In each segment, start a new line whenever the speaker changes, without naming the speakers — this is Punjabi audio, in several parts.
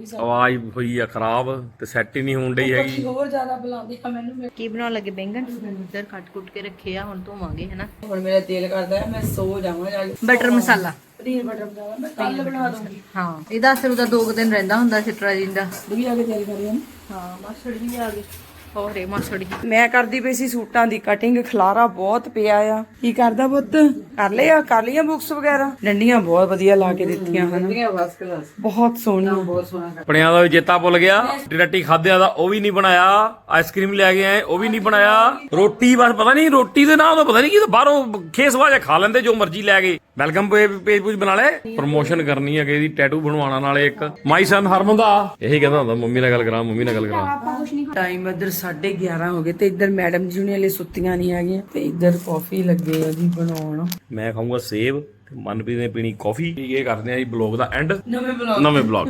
ਆਵਾਜ਼ ਹੋਈ ਆ ਖਰਾਬ ਤੇ ਸੈੱਟ ਹੀ ਨਹੀਂ ਹੋਣ ਡਈ ਹੈਗੀ।
ਹੋਰ ਜ਼ਿਆਦਾ ਬੁਲਾਉਂਦੀ ਆ ਮੈਨੂੰ।
ਕੀ ਬਣਾਉਣ ਲੱਗੇ? ਬੈਂਗਣ ਇੱਧਰ ਕੱਟ ਕੇ ਰੱਖੇ ਆ, ਹੁਣ ਧੋਵਾਂਗੇ ਹਨਾ।
ਹੁਣ ਮੇਰਾ ਦਿਲ ਕਰਦਾ ਹੈ ਮੈਂ ਸੋ ਜਾਵਾਂ ਜਾ ਕੇ।
ਬਟਰ ਮਸਾਲਾ,
ਪਨੀਰ ਬਟਰ ਮਸਾਲਾ ਮੈਂ ਕੱਲ ਬਣਾ ਦੂੰਗੀ।
ਹਾਂ ਇਹਦਾ ਅਸਰ ਉਹਦਾ 2 ਦਿਨ ਰਹਿੰਦਾ ਹੁੰਦਾ ਸਿਟਰਾਜਿਨ ਦਾ।
ਵੀ ਆ ਕੇ ਤਿਆਰੀ ਕਰ ਰਹੀ ਹਾਂ।
ਹਾਂ ਮਾਸੜ ਵੀ ਆ ਗਏ। ਹੋਰੇ ਮਾਸੜ ਜੀ
ਮੈਂ ਕਰਦੀ ਪਈ ਸੀ ਸੂਟਾਂ ਦੀ ਕਟਿੰਗ। ਖਲਾਰਾ ਬਹੁਤ ਪਿਆ ਆ। ਕੀ ਕਰਦਾ ਪੁੱਤ? ਕਰ ਲਈਆਂ ਬੁੱਕਸ ਵਗੈਰਾ? ਡੰਡੀਆਂ ਬਹੁਤ ਵਧੀਆ ਲਾ ਕੇ ਦਿੱਤੀਆਂ ਹਨ, ਬਹੁਤ ਸੋਹਣੀਆਂ, ਬਹੁਤ ਸੋਹਣਾ।
ਆਪਣਿਆਂ ਦਾ ਵੀ ਚੇਤਾ ਭੁੱਲ ਗਿਆ। ਰੋਟੀ ਖਾਦਿਆਂ ਦਾ ਉਹ ਵੀ ਨਹੀਂ ਬਣਾਇਆ। ਆਈਸਕ੍ਰੀਮ ਲੈ ਕੇ ਆਏ ਉਹ ਵੀ ਨਹੀਂ ਬਣਾਇਆ। ਰੋਟੀ ਬਸ ਪਤਾ ਨਹੀਂ ਰੋਟੀ ਦੇ ਨਾਲ ਪਤਾ ਨਹੀਂ ਕੀ ਬਾਹਰੋਂ ਖੇਸਵਾ ਖਾ ਲੈਂਦੇ ਜੋ ਮਰਜ਼ੀ ਲੈ ਕੇ। ਵੈਲਕਮ ਪੇਜ ਪੂਜ ਬਣਾ ਲੈ। ਪ੍ਰਮੋਸ਼ਨ ਕਰਨੀ ਹੈ ਕਿ ਇਹਦੀ ਟੈਟੂ ਬਣਵਾਉਣਾ ਨਾਲੇ ਇੱਕ ਮਾਈ ਸਨ ਹਰਮਨ ਦਾ। ਇਹੀ ਕਹਿੰਦਾ ਹੁੰਦਾ ਮੰਮੀ ਨਾਲ ਗੱਲ ਕਰਾਂ, ਮੰਮੀ ਨਾਲ ਗੱਲ ਕਰਾਂ।
ਟਾਈਮ ਇੱਧਰ 11:30 ਹੋ ਗਏ ਤੇ ਇੱਧਰ ਮੈਡਮ ਜੀ ਹਲੇ ਸੁੱਤੀਆਂ ਨਹੀਂ ਹੈਗੀਆਂ ਤੇ ਇੱਧਰ ਕਾਫੀ ਲੱਗੇ ਆ ਜੀ ਬਣਾਉਣ।
ਮੈਂ ਖਾਊਂਗਾ ਸੇਬ ਤੇ ਮਨਪ੍ਰੀਤ ਨੇ ਪੀਣੀ ਕਾਫੀ। ਇਹ ਕਰਦੇ ਆ ਜੀ ਬਲੌਗ ਦਾ ਐਂਡ
ਨਵੇਂ
ਬਲੌਗ।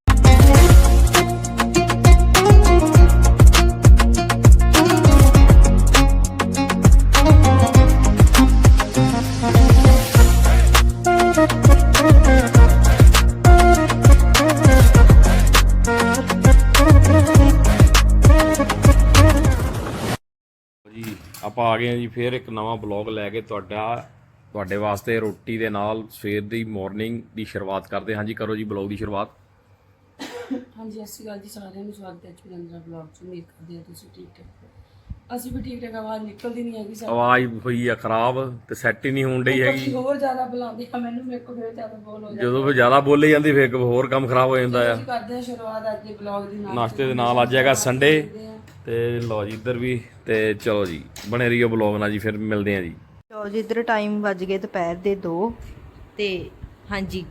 ਆਪਾਂ ਆ ਗਏ ਹਾਂ ਜੀ ਫੇਰ ਇੱਕ ਨਵਾਂ ਬਲੌਗ ਲੈ ਕੇ ਤੁਹਾਡੇ ਵਾਸਤੇ। ਰੋਟੀ ਦੇ ਨਾਲ ਸਵੇਰ ਦੀ ਮਾਰਨਿੰਗ ਦੀ ਸ਼ੁਰੂਆਤ ਕਰਦੇ ਹਾਂ ਜੀ। ਕਰੋ ਜੀ ਬਲੌਗ ਦੀ ਸ਼ੁਰੂਆਤ।
ਹਾਂਜੀ, ਸਤਿ ਸ਼੍ਰੀ ਅਕਾਲ ਜੀ ਸਾਰਿਆਂ ਨੂੰ। ਸਵਾਗਤ ਹੈ ਜੀ ਅੰਦਰ ਬਲੌਗ 'ਚ। ਉਮੀਦ ਕਰਦੇ ਹਾਂ ਤੁਸੀਂ ਠੀਕ ਠਾਕ। ਅਸੀਂ ਵੀ ਠੀਕ ਠਾਕ। ਆਵਾਜ਼ ਨਿਕਲਦੀ ਨਹੀਂ ਹੈਗੀ ਸਾਡੀ।
ਆਵਾਜ਼ ਹੋਈ ਆ ਖਰਾਬ ਤੇ ਸੈੱਟ ਹੀ ਨਹੀਂ ਹੋਣ ਡਈ ਹੈਗੀ।
ਹੋਰ ਜ਼ਿਆਦਾ ਬੁਲਾਉਂਦੀ ਆ ਮੈਨੂੰ। ਮੇਰੇ ਕੋਲ ਫਿਰ ਜ਼ਿਆਦਾ ਬੋਲ ਹੋ ਜਾਂਦਾ।
ਜਦੋਂ ਫਿਰ ਜ਼ਿਆਦਾ ਬੋਲੀ ਜਾਂਦੀ ਫਿਰ ਹੋਰ ਕੰਮ ਖਰਾਬ ਹੋ ਜਾਂਦਾ ਆ।
ਅਸੀਂ ਕਰਦੇ ਹਾਂ ਸ਼ੁਰੂਆਤ ਅੱਜ ਦੇ ਬਲੌਗ ਦੀ ਨਾਲ।
ਨਾਸ਼ਤੇ ਦੇ ਨਾਲ ਅੱਜ ਹੈਗਾ ਸੰਡੇ ਤੇ ਲਓ ਜੀ ਇੱਧਰ ਵੀ। ਤੇ ਚਲੋ ਜੀ ਬਣੇ ਰਹੀਓ ਬਲੌਗ ਨਾਲ ਜੀ। ਫਿਰ ਮਿਲਦੇ ਆ ਜੀ।
ਚਲੋ ਜੀ ਇੱਧਰ ਟਾਈਮ ਵੱਜ ਗਏ ਦੁਪਹਿਰ ਦੇ 2 ਤੇ ਹਾਂਜੀ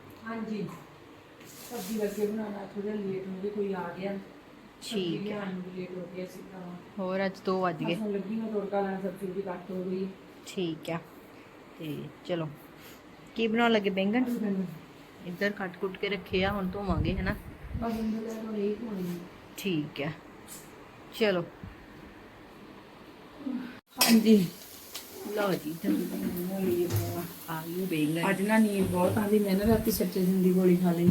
ਸਬਜ਼ੀ ਲੱਗੇ ਬਣਾਉਣਾ। ਥੋੜਾ ਲੇਟ ਹੋ ਗਏ, ਕੋਈ ਆ ਗਿਆ।
ਠੀਕ ਹੈ।
ਲੇਟ ਹੋ ਗਿਆ ਸੀ ਤਾਂ
ਹੋਰ ਅੱਜ 2 ਵੱਜ ਗਏ।
ਹੁਣ ਲੱਗੀ ਮੈਂ ਤੜਕਾ ਲਾਉਣ। ਸਬਜ਼ੀ ਵੀ ਕੱਟ ਹੋ ਗਈ।
ਠੀਕ ਆ ਤੇ ਚਲੋ ਕੀ ਬਣਾਉਣ ਲੱਗੇ? ਬੈਂਗਣ ਇੱਧਰ ਕੱਟ ਕੇ ਰੱਖੇ ਆ, ਹੁਣ ਧੋਵਾਂਗੇ ਹਨਾ।
ਬਸ ਅੰਦਰ ਤੋਂ ਨਹੀਂ ਹੋਣੀ।
ਠੀਕ ਆ ਚਲੋ।
ਹਾਂਜੀ
ਲਓ ਜੀ ਆ ਗਈ ਬੈਂਗਣ।
ਅੱਜ ਨਾ ਨੀਂਦ ਬਹੁਤ ਆਉਂਦੀ। ਮੈਂ ਨਾ ਰਾਤੀ ਸੱਚੇਜਨ ਦੀ ਗੋਲੀ ਖਾ ਲਈ।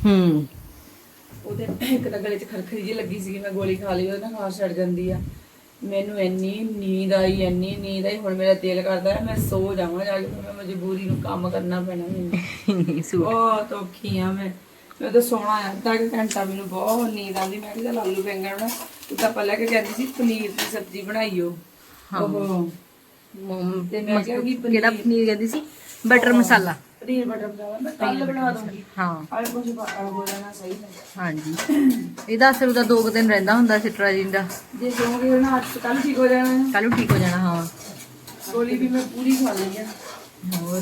ਉਹਦੇ ਇੱਕ ਤਾਂ ਗਲੇ 'ਚ ਖਰਖਰੀ ਜਿਹੀ ਲੱਗੀ ਸੀ। ਮੈਂ ਗੋਲੀ ਖਾ ਲਈ, ਉਹਦੇ ਨਾਲ ਖਾਂਸ ਛੱਡ ਜਾਂਦੀ ਆ। ਮੈਨੂੰ ਇੰਨੀ ਨੀਂਦ ਆਈ ਹੁਣ ਮੇਰਾ ਦਿਲ ਕਰਦਾ ਹੈ ਮੈਂ ਸੋ ਜਾਵਾਂ ਜਾ ਕੇ। ਮੈਂ ਮਜਬੂਰੀ ਨੂੰ ਕੰਮ ਕਰਨਾ ਪੈਣਾ ਮੈਨੂੰ। ਬਹੁਤ ਔਖੀ ਆ ਮੈਂ ਤਾਂ ਸੋਣਾ ਆ ਅੱਧਾ ਕੁ ਘੰਟਾ। ਮੈਨੂੰ ਬਹੁਤ ਨੀਂਦ ਆਉਂਦੀ। ਮੈਂ ਕਿਹਾ ਆਲੂ ਬੈਂਗਣ ਨਾ ਤੂੰ ਤਾਂ ਪਹਿਲਾਂ ਕਿ ਕਹਿੰਦੀ ਸੀ ਪਨੀਰ ਦੀ ਸਬਜ਼ੀ ਬਣਾਈਓ। ਉਹ ਤੇ ਮੈਂ ਕਿਹਾ ਕਿ
ਕਿਹੜਾ ਪਨੀਰ ਕਹਿੰਦੀ ਸੀ? ਬਟਰ ਮਸਾਲਾ।
ਪਨੀਰ ਬਟਰ ਮਸਾਲਾ ਮੈਂ ਕੱਲ ਬਣਾ ਦੂੰਗੀ।
ਹਾਂ
ਆਲੇ ਕੁਝ ਹੋ ਜਾਣਾ ਸਹੀ ਹੈ।
ਹਾਂਜੀ ਇਹਦਾ ਅਸਰ ਉਹਦਾ 2 ਦਿਨ ਰਹਿੰਦਾ ਹੁੰਦਾ ਸਿਟਰਾਜਿਨ ਦਾ।
ਜੇ ਸੋਗੇ ਨਾ ਅੱਜ ਕੱਲ ਠੀਕ ਹੋ ਜਾਣਾ ਹੈ।
ਕੱਲ ਨੂੰ ਠੀਕ ਹੋ ਜਾਣਾ। ਹਾਂ
ਗੋਲੀ ਵੀ ਮੈਂ ਪੂਰੀ ਖਾ ਲਈ ਆ।
ਹੋਰ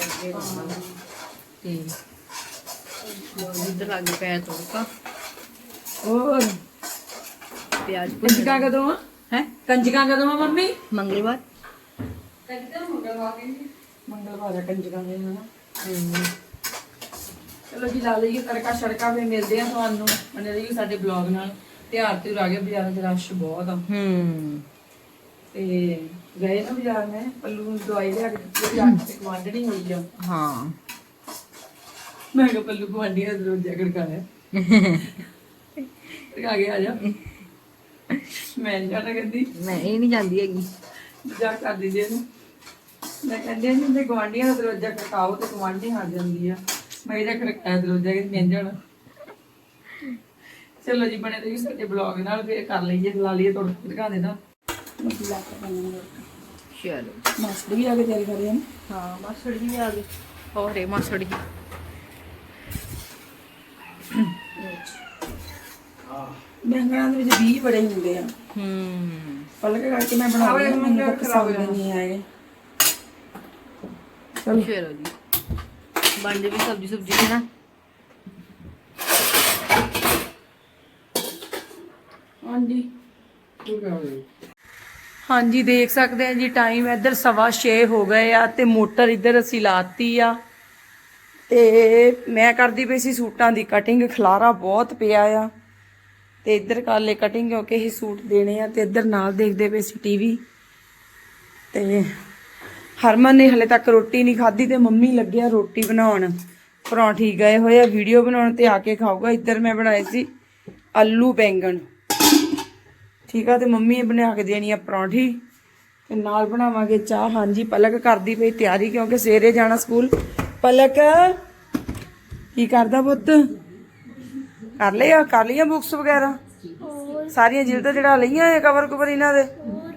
ਤੇ ਇੱਧਰ ਲੱਗ ਪਿਆ ਤੜਕਾ।
ਹੋਰ
ਪਿਆਜ਼
ਕੰਜਕਾਂ ਕਦੋਂ ਆ? ਕੰਜਕਾਂ ਕਦੋਂ ਆ ਮੰਮੀ?
ਮੰਗਲਵਾਰ।
ਮੰਗਲਵਾਰ ਕੰਜਕਾਂ ਦੇ ਹਨਾ। ਚਲੋ ਜੀ ਲਾ ਲਈਏ ਤੜਕਾ ਛੜਕਾ। ਫਿਰ ਮਿਲਦੇ ਆ ਤੁਹਾਨੂੰ। ਬਣੇ ਰਹੀਏ ਸਾਡੇ ਬਲੌਗ ਨਾਲ। ਤਿਉਹਾਰ ਤੇ ਆ ਗਿਆ, ਬਾਜ਼ਾਰਾਂ 'ਚ ਰਸ਼ ਬਹੁਤ ਆ। ਤੇ ਗਏ ਨਾ ਬਾਜ਼ਾਰ। ਮੈਂ ਪੱਲੂ ਨੂੰ ਦਵਾਈ ਲਿਆ ਕੇ ਦਿੱਤੀ। ਜਾ ਕੇ ਗੁਆਂਢਣੀ ਹੋਈ ਆ।
ਹਾਂ
ਮੈਂ ਕਿਹਾ ਪੱਲੂ ਗੁਆਂਢੀਆਂ ਦਾ ਦਰਵਾਜ਼ਾ ਖੜਕਾਇਆ। ਆ ਗਿਆ, ਆ ਜਾ। ਮੈਂ ਨੀ ਜਾਣਾ ਕਹਿੰਦੀ।
ਮੈਂ ਇਹ ਨਹੀਂ ਜਾਂਦੀ ਹੈਗੀ।
ਮਜ਼ਾਕ ਕਰ ਦਿੰਦੇ ਇਹਨੂੰ। ਮੈਂ ਕਹਿੰਦੀ ਨਹੀਂ ਤੇ ਗੁਆਂਢੀਆਂ ਦਾ ਦਰਵਾਜ਼ਾ ਖੜਕਾਓ ਤੇ ਗੁਆਂਢੀ ਆ ਜਾਂਦੀ ਆ। ਮੈਂ ਇਹਦਾ ਖੜਕਾਇਆ ਦਰਵਾਜ਼ਾ ਕਿ ਮਿਲ ਜਾਣਾ। ਚਲੋ ਜੀ ਬਣੇ ਰਹੀ ਸਾਡੇ ਬਲੌਗ ਨਾਲ। ਫਿਰ ਕਰ ਲਈਏ ਲਾ ਲਈਏ ਤੁਹਾਡੇ ਦਿਖਾ ਦੇਣਾ।
ਚਲੋ
ਮਾਸਟਰ ਵੀ ਆ ਕੇ ਤਿਆਰੀ ਕਰ ਰਹੇ ਹਨ।
ਹਾਂ ਮਾਸੜ ਜੀ ਵੀ ਆ ਗਏ। ਹੋਰੇ ਮਾਸੜ ਜੀ
ਬੈਂਗਣਾਂ ਦੇ ਵਿੱਚ ਬੀਜ ਬੜੇ ਹੁੰਦੇ ਆ। ਪਲਕ ਕਰਕੇ ਮੈਂ ਬਣਾ ਲਿਆ। ਮੈਨੂੰ ਤਾਂ ਪਸੰਦ ਨਹੀਂ ਆਏ।
ਚਲੋ ਜੀ ਬਣ ਜਾਵੇ ਸਬਜ਼ੀ ਸੁਬਜੀ ਨਾ।
ਹਾਂਜੀ ਦੇਖ ਸਕਦੇ ਆ ਜੀ ਟਾਈਮ ਇੱਧਰ 6:15 ਹੋ ਗਏ ਆ ਤੇ ਮੋਟਰ ਇੱਧਰ ਅਸੀਂ ਲਾਤੀ ਆ। ਤੇ ਮੈਂ ਕਰਦੀ ਪਈ ਸੀ ਸੂਟਾਂ ਦੀ ਕਟਿੰਗ। ਖਲਾਰਾ ਬਹੁਤ ਪਿਆ ਆ ਤੇ ਇੱਧਰ ਕਰ ਲੈ ਕਟਿੰਗ ਕਿਉਂਕਿ ਇਹ ਸੂਟ ਦੇਣੇ ਆ। ਤੇ ਇੱਧਰ ਨਾਲ ਦੇਖਦੇ ਪਏ ਸੀ ਟੀਵੀ। ਤੇ ਹਰਮਨ ਨੇ ਹਲੇ ਤੱਕ ਰੋਟੀ ਨਹੀਂ ਖਾਧੀ ਤੇ ਮੰਮੀ ਲੱਗਿਆ ਰੋਟੀ ਬਣਾਉਣ। ਪਰੌਂਠੀ ਗਏ ਹੋਏ ਆ ਵੀਡੀਓ ਬਣਾਉਣ ਤੇ ਆ ਕੇ ਖਾਊਗਾ। ਇੱਧਰ ਮੈਂ ਬਣਾਏ ਸੀ ਆਲੂ ਬੈਂਗਣ, ਠੀਕ ਆ। ਤੇ ਮੰਮੀ ਬਣਾ ਕੇ ਦੇਣੀ ਆ ਪਰੌਂਠੀ ਤੇ ਨਾਲ ਬਣਾਵਾਂਗੇ ਚਾਹ। ਹਾਂਜੀ ਪਲਕ ਕਰਦੀ ਪਈ ਤਿਆਰੀ ਕਿਉਂਕਿ ਸਵੇਰੇ ਜਾਣਾ ਸਕੂਲ। ਪਲਕ ਕੀ ਕਰਦਾ ਪੁੱਤ? ਕਰ ਲਈਆਂ ਬੁੱਕਸ ਵਗੈਰਾ ਸਾਰੀਆਂ ਜਿਲਦਾਂ ਚੜਾ ਲਈਆਂ ਇਹ ਕਵਰ ਕੁਵਰ ਇਹਨਾਂ ਦੇ।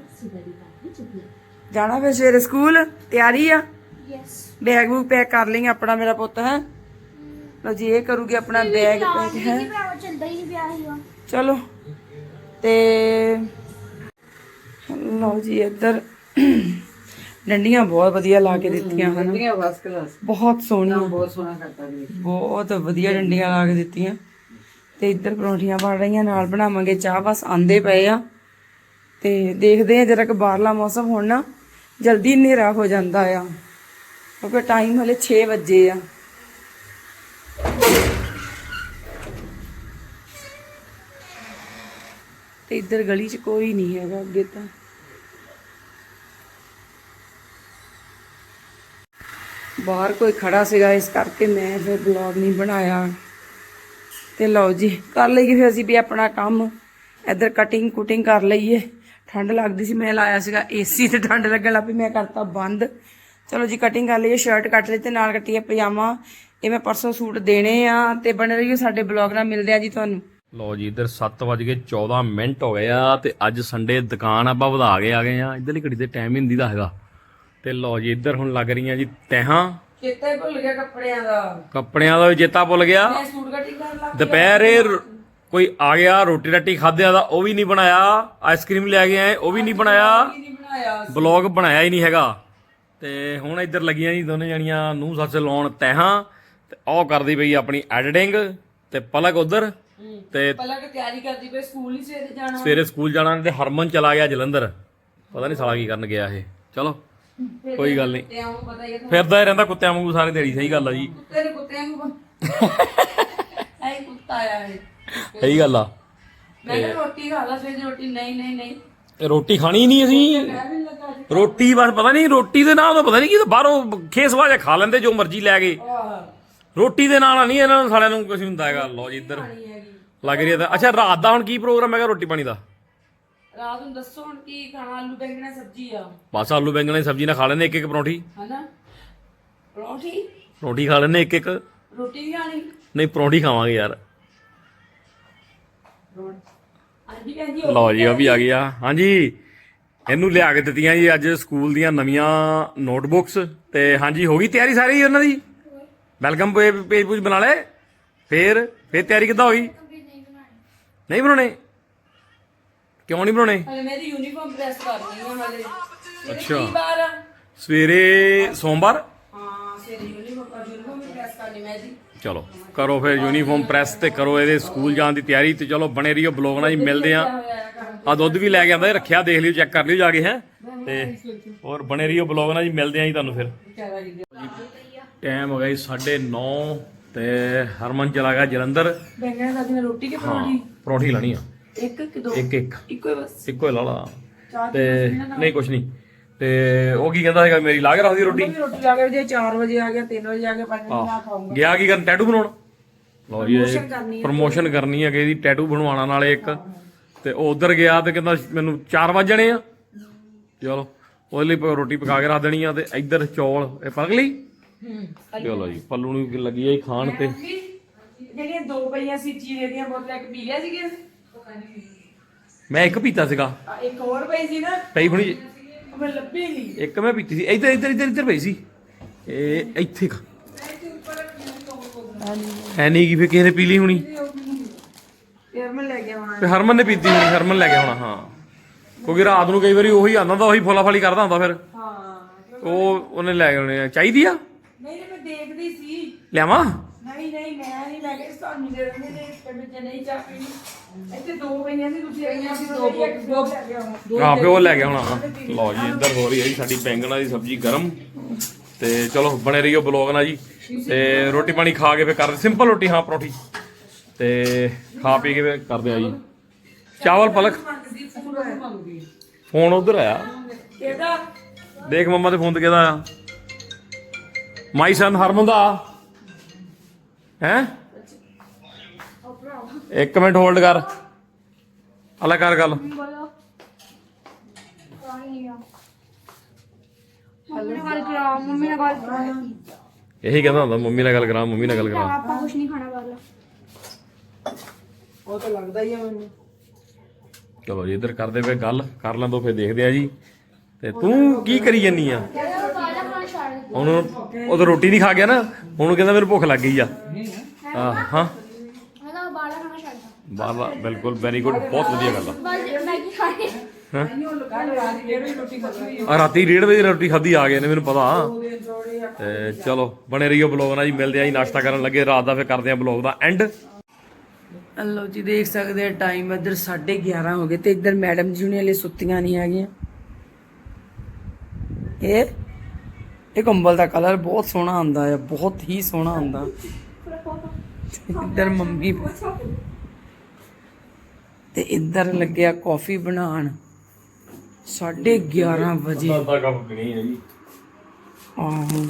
ਜਾਣਾ ਫਿਰ ਸਵੇਰੇ ਸਕੂਲ, ਤਿਆਰੀ ਆ? ਬੈਗ ਬੂਗ ਪੈਕ ਕਰ ਲਈਆਂ ਆਪਣਾ ਮੇਰਾ ਪੁੱਤ ਹੈ। ਲਓ ਜੀ ਇਹ ਕਰੂਗੀ ਆਪਣਾ ਬੈਗ ਪੈਕ ਹੈ। ਚਲੋ ਤੇ ਲਓ ਜੀ ਇੱਧਰ ਡੰਡੀਆਂ ਬਹੁਤ ਵਧੀਆ ਲਾ ਕੇ ਦਿੱਤੀਆਂ ਹਨ, ਬਹੁਤ ਸੋਹਣੀਆਂ, ਬਹੁਤ ਸੋਹਣਾ ਕਰਤਾ ਜੀ, ਬਹੁਤ ਵਧੀਆ ਡੰਡੀਆਂ ਲਾ ਕੇ ਦਿੱਤੀਆਂ। ਤੇ ਇੱਧਰ ਪਰੌਂਠੀਆਂ ਬਣ ਰਹੀਆਂ, ਨਾਲ ਬਣਾਵਾਂਗੇ ਚਾਹ। ਬਸ ਆਂਦੇ ਪਏ ਆ ਤੇ ਦੇਖਦੇ ਆ ਜਰਾ ਕਿ ਬਾਹਰਲਾ ਮੌਸਮ ਹੁਣ ਨਾ ਜਲਦੀ ਹਨੇਰਾ ਹੋ ਜਾਂਦਾ ਆ ਕਿਉਂਕਿ ਟਾਈਮ ਹਲੇ 6 ਵਜੇ ਆ। ਤੇ ਇੱਧਰ ਗਲੀ 'ਚ ਕੋਈ ਨਹੀਂ ਹੈਗਾ ਅੱਗੇ ਤਾਂ। ਬਾਹਰ ਕੋਈ ਖੜਾ ਸੀਗਾ ਇਸ ਕਰਕੇ ਮੈਂ ਫਿਰ ਵਲੌਗ ਨਹੀਂ ਬਣਾਇਆ। ਤੇ ਲਓ ਜੀ ਕਰ ਲਈਏ ਫਿਰ ਅਸੀਂ ਵੀ ਆਪਣਾ ਕੰਮ। ਇੱਧਰ ਕਟਿੰਗ ਕੁਟਿੰਗ ਕਰ ਲਈਏ। ਠੰਡ ਲੱਗਦੀ ਸੀ, ਮੈਂ ਲਾਇਆ ਸੀਗਾ ਏਸੀ ਤੇ ਠੰਡ ਲੱਗਣ ਲੱਗ ਪਈ, ਮੈਂ ਕਰਤਾ ਬੰਦ। ਚਲੋ ਜੀ ਕਟਿੰਗ ਕਰ ਲਈਏ, ਸ਼ਰਟ ਕੱਟ ਲਈ ਤੇ ਨਾਲ ਕੱਟੀ ਹੈ ਪਜਾਮਾ। ਇਹ ਮੈਂ ਪਰਸੋਂ ਸੂਟ ਦੇਣੇ ਆ ਤੇ ਬਣੇ ਰਹੀਓ ਸਾਡੇ ਬਲੌਗ ਨਾਲ। ਮਿਲਦੇ ਆ ਜੀ ਤੁਹਾਨੂੰ।
ਲਓ ਜੀ ਇੱਧਰ 7:14 ਹੋ ਗਏ ਆ ਤੇ ਅੱਜ ਸੰਡੇ ਦੁਕਾਨ ਆਪਾਂ ਵਧਾ ਕੇ ਆ ਗਏ ਆ। ਇੱਧਰਲੀ ਘੜੀ ਤੇ ਟਾਈਮ ਹੀ ਹੁੰਦੀ ਦਾ ਹੈਗਾ। ਤੇ ਲਓ ਜੀ ਇੱਧਰ ਹੁਣ ਲੱਗ ਰਹੀਆਂ ਜੀ ਤੈਹਾਂ।
ਚੇਤਾ ਹੀ ਭੁੱਲ ਗਿਆ
ਕੱਪੜਿਆਂ ਦਾ ਵੀ ਚੇਤਾ ਭੁੱਲ ਗਿਆ।
ਮੈਂ ਸੂਟ ਕਟਿੰਗ ਕਰਨ ਲੱਗ
ਦੁਪਹਿਰੇ ਕੋਈ ਆ ਗਿਆ ਰੋਟੀ ਰਾਟੀ ਖਾਧਿਆ ਦਾ ਉਹ ਵੀ ਨਹੀਂ ਬਣਾਇਆ। ਆਈਸਕ੍ਰੀਮ ਲੈ ਕੇ ਆਏ ਉਹ ਵੀ ਨਹੀਂ ਬਣਾਇਆ। ਬਲੌਗ ਬਣਾਇਆ ਹੀ ਨਹੀਂ ਹੈਗਾ। ਤੇ ਹੁਣ ਇੱਧਰ ਲੱਗੀਆਂ ਜੀ ਦੋਨੇ ਜਣੀਆਂ ਨੂੰਹ ਸੱਸ ਲਾਉਣ ਤੈਹਾਂ ਤੇ ਉਹ ਕਰਦੀ ਪਈ ਆਪਣੀ ਐਡੀਟਿੰਗ ਤੇ ਪਲਕ ਉਧਰ ਤੇ
ਪਲਕ ਤਿਆਰੀ ਕਰਦੀ ਪਈ ਸਕੂਲ ਹੀ ਸਵੇਰੇ ਜਾਣਾ।
ਸਵੇਰੇ ਸਕੂਲ ਜਾਣਾ ਤੇ ਹਰਮਨ ਚਲਾ ਗਿਆ ਜਲੰਧਰ। ਪਤਾ ਨਹੀਂ ਸਾਲਾ ਕੀ ਕਰਨ ਗਿਆ ਇਹ। ਚਲੋ ਕੋਈ ਗੱਲ ਨਹੀਂ, ਫਿਰਦਾ ਹੀ ਰਹਿੰਦਾ ਕੁੱਤਿਆਂ ਵਾਂਗੂ ਸਾਰੀ ਦਿਹਾੜੀ। ਸਹੀ ਗੱਲ ਆ ਜੀ,
ਕੁੱਤਿਆਂ ਨੂੰ ਐ ਕੁੱਤਾ ਆਇਆ ਇਹ।
ਸਹੀ ਗੱਲ ਆ।
ਮੈਂ ਕਿਹਾ ਰੋਟੀ ਖਾ ਲਾ ਸਵੇਰੇ। ਰੋਟੀ ਨਹੀਂ
ਤੇ ਰੋਟੀ ਖਾਣੀ ਨਹੀਂ ਅਸੀਂ। ਰੋਟੀ ਬਸ ਪਤਾ ਨਹੀਂ ਰੋਟੀ ਦੇ ਨਾਲ ਪਤਾ ਨਹੀਂ ਕੀ ਬਾਹਰੋਂ ਖੇਸਵਾ ਜਿਹਾ ਖਾ ਲੈਂਦੇ ਜੋ ਮਰਜ਼ੀ ਲੈ ਕੇ। ਰੋਟੀ ਦੇ ਨਾਲ ਨਹੀਂ ਇਹਨਾਂ ਨੂੰ ਸਾਲਿਆਂ ਨੂੰ ਕੁਝ ਹੁੰਦਾ ਹੈਗਾ। ਲਓ ਜੀ ਇੱਧਰ ਲੱਗ ਰਹੀ ਹੈ। ਅੱਛਾ ਰਾਤ ਦਾ ਹੁਣ ਕੀ ਪ੍ਰੋਗਰਾਮ ਹੈਗਾ ਰੋਟੀ ਪਾਣੀ ਦਾ?
ਰਾਤ ਨੂੰ ਦੱਸੋ ਹੁਣ ਕੀ ਖਾਣਾ? ਆਲੂ ਬੈਂਗਣ ਸਬਜ਼ੀ ਆ।
ਬਸ ਆਲੂ ਬੈਂਗਣ ਦੀ ਸਬਜ਼ੀ ਨਾਲ ਖਾ ਲੈਂਦੇ ਇੱਕ ਪਰੌਂਠੀ।
ਹਨਾ
ਪਰੌਂਠੀ ਖਾ ਲੈਂਦੇ ਇੱਕ।
ਰੋਟੀ ਵੀ ਖਾਣੀ?
ਨਹੀਂ ਪਰੌਂਠੀ ਖਾਵਾਂਗੇ ਯਾਰ।
ਹਾਂਜੀ ਕਹਿੰਦੀ
ਲਓ ਜੀ ਉਹ ਵੀ ਆ ਗਿਆ। ਹਾਂਜੀ ਇਹਨੂੰ ਲਿਆ ਕੇ ਦਿੱਤੀਆਂ ਜੀ ਅੱਜ ਸਕੂਲ ਦੀਆਂ ਨਵੀਆਂ ਨੋਟਬੁੱਕਸ। ਤੇ ਹਾਂਜੀ ਹੋ ਗਈ ਤਿਆਰੀ ਸਾਰੀ ਉਹਨਾਂ ਦੀ। ਵੈਲਕਮ ਪੇਜ ਪੂਜ ਬਣਾ ਲਏ? ਫੇਰ ਤਿਆਰੀ ਕਿੱਦਾਂ ਹੋ ਗਈ? ਨਹੀਂ ਬਣਾਉਣੇ? ਕਿਉਂ ਨਹੀਂ ਬਣਾਉਣੇ?
ਹਲੇ ਮੇਰੀ ਯੂਨੀਫਾਰਮ ਪ੍ਰੈਸ ਕਰਨੀ ਆ ਹਲੇ।
ਅੱਛਾ ਸਵੇਰੇ ਸੋਮਵਾਰ?
ਹਾਂ ਸਵੇਰੇ ਯੂਨੀਫਾਰਮ ਪ੍ਰੈਸ ਕਰਨੀ ਮੈਂ ਜੀ।
ਚਲੋ ਕਰੋ ਫਿਰ ਯੂਨੀਫਾਰਮ ਪ੍ਰੈਸ ਤੇ ਕਰੋ ਇਹਦੇ ਸਕੂਲ ਜਾਣ ਦੀ ਤਿਆਰੀ। ਤੇ ਚਲੋ ਬਣੇ ਰਹੀਓ ਬਲੌਗ ਨਾਲ ਜੀ। ਮਿਲਦੇ ਆ। ਆ ਦੁੱਧ ਵੀ ਲੈ ਕੇ ਆਂਦਾ ਰੱਖਿਆ, ਦੇਖ ਲਿਓ ਚੈੱਕ ਕਰ ਲਿਓ ਜਾ ਕੇ ਹੈ। ਤੇ ਹੋਰ ਬਣੇ ਰਹੀਓ ਬਲੌਗ ਨਾਲ ਜੀ। ਮਿਲਦੇ ਆ ਜੀ ਤੁਹਾਨੂੰ ਫਿਰ। ਟਾਈਮ ਹੋ ਗਿਆ ਜੀ 9:30 ਤੇ ਹਰਮਨ ਚਲਾ ਗਿਆ ਜਲੰਧਰ।
ਬੈਂਗਣ ਦਾ ਦਿਨ ਰੋਟੀ ਕਿ ਪਰੌਂਠੀ?
ਪਰੌਂਠੀ ਲਾਣੀ ਆ
ਇੱਕ ਕਿ ਦੋ?
ਇੱਕ
ਇੱਕੋ ਹੀ ਬਸ।
ਇੱਕੋ ਹੀ ਲਾ ਲਾ। ਤੇ ਨਹੀਂ ਕੁਛ ਨਹੀਂ। ਤੇ ਉਹ ਕੀ ਕਹਿੰਦਾ ਹੈਗਾ ਮੇਰੀ ਲਾ ਕੇ ਰੱਖਦੀ ਰੋਟੀ।
ਰੋਟੀ ਲਾ ਕੇ ਜੇ 4 ਵਜੇ ਆ ਗਿਆ 3 ਵਜੇ ਆ ਗਿਆ 5 ਵਜੇ ਨਾ ਖਾਊਂਗਾ।
ਗਿਆ ਕੀ ਕਰਨ? ਟੈਟੂ ਬਣਾਉਣ। ਲਓ ਜੀ ਪ੍ਰਮੋਸ਼ਨ ਕਰਨੀ ਹੈ ਕਿ ਇਹਦੀ ਟੈਟੂ ਬਣਵਾਉਣਾ ਨਾਲੇ ਇੱਕ। ਤੇ ਉਹ ਉਧਰ ਗਿਆ ਤੇ ਕਹਿੰਦਾ ਮੈਨੂੰ 4 ਵਜ ਜਾਣੇ ਆ। ਚਲੋ ਉਹਦੇ ਲਈ ਰੋਟੀ ਪਕਾ ਕੇ ਰੱਖ ਦੇਣੀ ਆ। ਤੇ ਇੱਧਰ ਚੌਲ ਇਹ ਪਕ ਲਈ। ਚਲੋ ਜੀ ਪੱਲੂ ਨੂੰ ਲੱਗੀ ਆ ਖਾਣ। ਤੇ
ਜਿਹੜੀਆਂ 2 ਪਈਆਂ ਸੀ ਜੀਰੇ ਦੀਆਂ ਬੋਤਲਾਂ ਇੱਕ ਪੀ ਲਿਆ ਸੀਗੇ।
ਮੈਂ ਇੱਕ ਪੀਤਾ ਸੀਗਾ।
ਇੱਕ ਹੋਰ ਪਈ ਸੀ ਨਾ
ਪਈ ਹੁਣੀ
ਮੈਂ ਲੱਭੀ ਨਹੀਂ।
ਇੱਕ ਮੈਂ ਪੀਤੀ ਸੀ। ਇੱਧਰ ਪਈ ਸੀ। ਇਹ ਇੱਥੇ ਹੈ ਨਹੀਂ ਕੀ ਫਿਰ ਕਿਸੇ ਨੇ ਪੀ ਲਈ ਹੋਣੀ।
ਫਿਰ ਮੈਂ ਲੈ ਗਿਆ ਹੁਣ।
ਤੇ ਹਰਮਨ ਨੇ ਪੀਤੀ ਹੋਣੀ। ਹਰਮਨ ਲੈ ਗਿਆ ਹੋਣਾ। ਹਾਂ ਕਿਉਂਕਿ ਰਾਤ ਨੂੰ ਕਈ ਵਾਰੀ ਉਹੀ ਆਉਂਦਾ ਹੁੰਦਾ, ਉਹੀ ਫੋਲਾਫਾਲੀ ਕਰਦਾ ਹੁੰਦਾ। ਫਿਰ ਉਹਨੇ ਲੈ ਗਏ ਹੋਣੇ। ਚਾਹੀਦੀ ਆ?
ਨਹੀਂ ਮੈਂ ਦੇਖਦੀ ਸੀ।
ਲਿਆਵਾਂ?
ਨਹੀਂ ਮੈਂ ਨਹੀਂ ਲੈ ਕੇ ਤੁਹਾਨੂੰ ਦੇ ਦਿੰਦੇ ਨੇ ਪਿੰਡ ਨਹੀਂ ਚਾਹ ਪੀਣੀ। ਇੱਥੇ 2 ਪਈਆਂ ਸੀ ਤੁਸੀਂ ਆਈਆਂ ਸੀ 2 ਲੈ ਗਿਆ ਹੁਣ।
ਹਾਂ ਪਿਓ ਲੈ ਗਿਆ ਹੋਣਾ। ਲਓ ਜੀ ਇੱਧਰ ਹੋ ਰਹੀ ਹੈ ਜੀ ਸਾਡੀ ਬੈਂਗਣਾ ਦੀ ਸਬਜ਼ੀ ਗਰਮ। ਤੇ ਚਲੋ ਬਣੇ ਰਹੀਓ ਬਲੌਗ ਨਾਲ ਜੀ। ਤੇ ਰੋਟੀ ਪਾਣੀ ਖਾ ਕੇ ਫਿਰ ਕਰਦੇ ਸਿੰਪਲ ਰੋਟੀ। ਹਾਂ ਪਰੌਂਠੀ ਤੇ ਖਾ ਪੀ ਕੇ ਫਿਰ ਕਰਦੇ ਆ ਜੀ ਚਾਵਲ। ਪਲਕ ਫੋਨ ਉਧਰ ਆਇਆ। ਦੇਖ ਮੰਮਾ ਦੇ ਫੋਨ ਤੇ ਕਿਹਦਾ ਆ? ਮਾਈ ਸਨ ਹਰਮਨ ਦਾ। ਹੈ 1 ਮਿੰਟ ਹੋਲਡ ਕਰ ਅਲਾ ਕਰ ਗੱਲ ਇਹੀ ਕਹਿੰਦਾ ਹੁੰਦਾ ਮੰਮੀ ਨਾਲ ਗੱਲ ਕਰਾਂ ਮੰਮੀ ਨਾਲ ਗੱਲ ਕਰਾਂ
ਆਪਾਂ ਕੁਝ ਨਹੀਂ ਖਾਣਾ ਬਾਹਰਲਾ
ਉਹ ਤਾਂ ਲੱਗਦਾ ਹੀ ਆ ਮੈਨੂੰ।
ਚਲੋ ਜੀ ਇੱਧਰ ਕਰਦੇ ਪਏ ਗੱਲ ਕਰ ਲਾਂ ਤੋਂ ਫਿਰ ਦੇਖਦੇ ਆ ਜੀ। ਤੇ ਤੂੰ ਕੀ ਕਰੀ ਜਾਨੀ ਆ ਹੁਣ? ਉਹ ਤਾਂ ਰੋਟੀ ਨਹੀਂ ਖਾ ਗਿਆ ਨਾ, ਹੁਣ ਕਹਿੰਦਾ ਮੈਨੂੰ ਭੁੱਖ ਲੱਗ ਗਈ ਆ। ਹਾਂ
ਮੈਂ ਤਾਂ ਬਾਹਰਲਾ ਖਾਣਾ ਛੱਡਦਾ
ਬਾਹਰਲਾ ਬਿਲਕੁਲ ਵੈਰੀ ਗੁੱਡ, ਬਹੁਤ ਵਧੀਆ ਗੱਲ ਆ।
ਬਸ ਮੈਗੀ ਖਾਣੀ
ਆ ਰਾਤੀ 1:30 ਵਜੇ ਰੋਟੀ ਖਾਧੀ ਆ ਗਏ ਨੇ ਮੈਨੂੰ ਪਤਾ। ਤੇ ਚਲੋ ਬਣੇ ਰਹੀਓ ਬਲੌਗ ਨਾਲ ਜੀ, ਮਿਲਦੇ ਆ ਜੀ ਨਾਸ਼ਤਾ ਕਰਨ ਲੱਗੇ ਰਾਤ ਦਾ, ਫਿਰ ਕਰਦੇ ਆ ਬਲੌਗ ਦਾ ਐਂਡ।
ਲਓ ਜੀ ਦੇਖ ਸਕਦੇ ਆ ਟਾਈਮ ਇੱਧਰ 11:30 ਹੋ ਗਏ ਤੇ ਇੱਧਰ ਮੈਡਮ ਜੀ ਹੁਣੇ ਹਲੇ ਸੁੱਤੀਆਂ ਨਹੀਂ ਹੈਗੀਆਂ। ਇਹ ਕੰਬਲ ਦਾ ਕਲਰ ਬਹੁਤ ਸੋਹਣਾ ਆਉਂਦਾ ਹੈ, ਬਹੁਤ ਹੀ ਸੋਹਣਾ ਆਉਂਦਾ। ਇੱਧਰ ਮੰਮੀ ਤੇ ਇੱਧਰ ਲੱਗਿਆ ਕਾਫੀ ਬਣਾਉਣ 11:30 ਵਜੇ। ਆਹੋ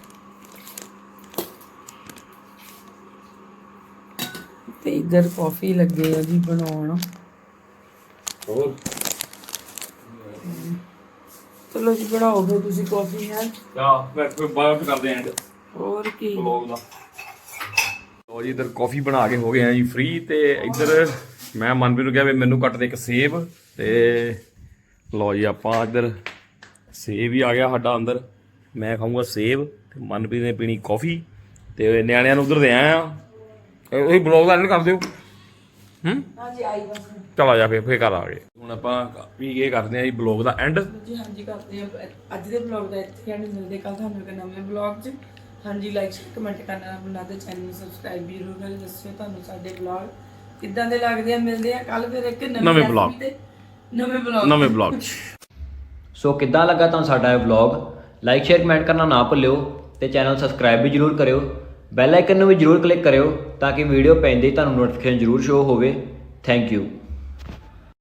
ਤੇ ਇੱਧਰ ਕਾਫੀ ਲੱਗੇ ਆ ਜੀ ਬਣਾਉਣ।
ਹੋਰ
ਚਲੋ ਜੀ ਬਣਾਓ ਫਿਰ ਤੁਸੀਂ ਕਾਫੀ ਹੈ।
ਮੈਂ ਕੋਈ ਬਾਅਦ ਕਰਦੇ ਐਂਡ
ਹੋਰ ਕੀ
ਬਲੌਗ ਦਾ। ਲੋ ਜੀ ਇੱਧਰ ਕਾਫੀ ਬਣਾ ਕੇ ਹੋ ਗਏ ਆ ਜੀ ਫ੍ਰੀ। ਤੇ ਇੱਧਰ ਮੈਂ ਮਨਪ੍ਰੀਤ ਨੂੰ ਕਿਹਾ ਵੀ ਮੈਨੂੰ ਕੱਟ ਦੇ ਇੱਕ ਸੇਬ। ਤੇ ਲੋ ਜੀ ਆਪਾਂ ਇੱਧਰ ਸੇਬ ਹੀ ਆ ਗਿਆ ਸਾਡਾ ਅੰਦਰ। ਮੈਂ ਖਾਊਂਗਾ ਸੇਬ ਤੇ ਮਨਪ੍ਰੀਤ ਨੇ ਪੀਣੀ ਕਾਫੀ ਤੇ ਨਿਆਣਿਆਂ ਨੂੰ ਉਧਰ ਦੇ ਆਏ ਆ। ਉਹੀ ਬਲੌਗ ਦਾ ਐਂਡ ਕਰ ਦਿਓ।
ਹਾਂਜੀ ਆਈ ਬਸ
ਚਲ ਆ ਜਾ ਫਿਰ ਘਰ ਆ ਗਏ। ਹੁਣ ਆਪਾਂ ਵੀ ਇਹ ਕਰਦੇ ਆ ਜੀ ਬਲੌਗ ਦਾ ਐਂਡ।
ਜੀ ਹਾਂਜੀ ਕਰਦੇ ਆ ਅੱਜ ਦੇ ਬਲੌਗ ਦਾ ਇੱਥੇ ਐਂਡ। ਮਿਲਦੇ ਕੱਲ ਤੁਹਾਨੂੰ ਇੱਕ ਨਵੇਂ ਬਲੌਗ 'ਚ। ਹਾਂਜੀ ਲਾਈਕ ਕਮੈਂਟ ਕਰਨਾ ਨਾ ਭੁੱਲਣਾ ਤੇ ਚੈਨਲ ਨੂੰ ਸਬਸਕ੍ਰਾਈਬ ਵੀ ਜ਼ਰੂਰ ਕਰਿਓ। ਦੱਸਿਓ ਤੁਹਾਨੂੰ ਸਾਡੇ ਬਲੌਗ ਕਿੱਦਾਂ ਦੇ ਲੱਗਦੇ ਆ। ਮਿਲਦੇ ਆ ਕੱਲ ਫਿਰ ਇੱਕ
ਨਵੇਂ vlog
ਤੇ ਨਵੇਂ ਬਲੌਗ 'ਚ।
ਸੋ ਕਿੱਦਾਂ ਲੱਗਾ ਤੁਹਾਨੂੰ ਸਾਡਾ ਇਹ ਵਲੌਗ? ਲਾਈਕ ਸ਼ੇਅਰ ਕਮੈਂਟ ਕਰਨਾ ਨਾ ਭੁੱਲਿਓ ਤੇ ਚੈਨਲ ਸਬਸਕ੍ਰਾਈਬ ਵੀ ਜਰੂਰ ਕਰਿਓ। ਬੈਲ ਆਈਕਨ ਨੂੰ ਵੀ ਜਰੂਰ ਕਲਿੱਕ ਕਰਿਓ ਤਾਂ ਕਿ ਵੀਡੀਓ ਪੈਂਦੇ ਹੀ ਤੁਹਾਨੂੰ ਨੋਟੀਫਿਕੇਸ਼ਨ ਜਰੂਰ ਸ਼ੋ ਹੋਵੇ। Thank you.